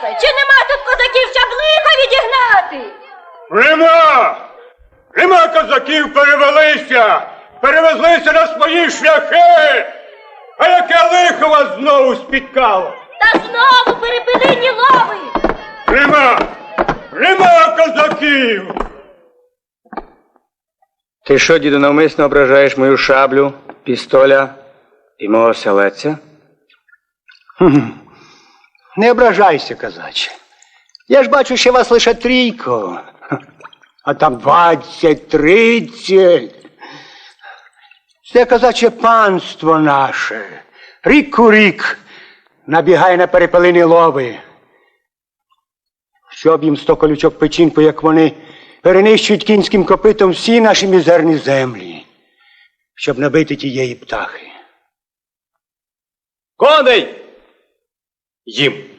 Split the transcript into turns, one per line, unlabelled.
Тараса, чи нема тут козаків, щоб лихо відігнати?
Нема козаків, перевелися! Перевезлися на свої шляхи! А яке лихо вас знову спіткало?
Та знову перепилині лови!
Нема козаків!
Ти що, діду, навмисно ображаєш мою шаблю, пістоля і мого селеця?
Не ображайся, козаче. Я ж бачу, що вас лише трійко, а там 20-30. Це козаче панство наше. Рік у рік набігає на перепелині лови. Щоб їм 100 колючок печінку, як вони перенищують кінським копитом всі наші мізерні землі, щоб набити тієї птахи.
Коней! Їм!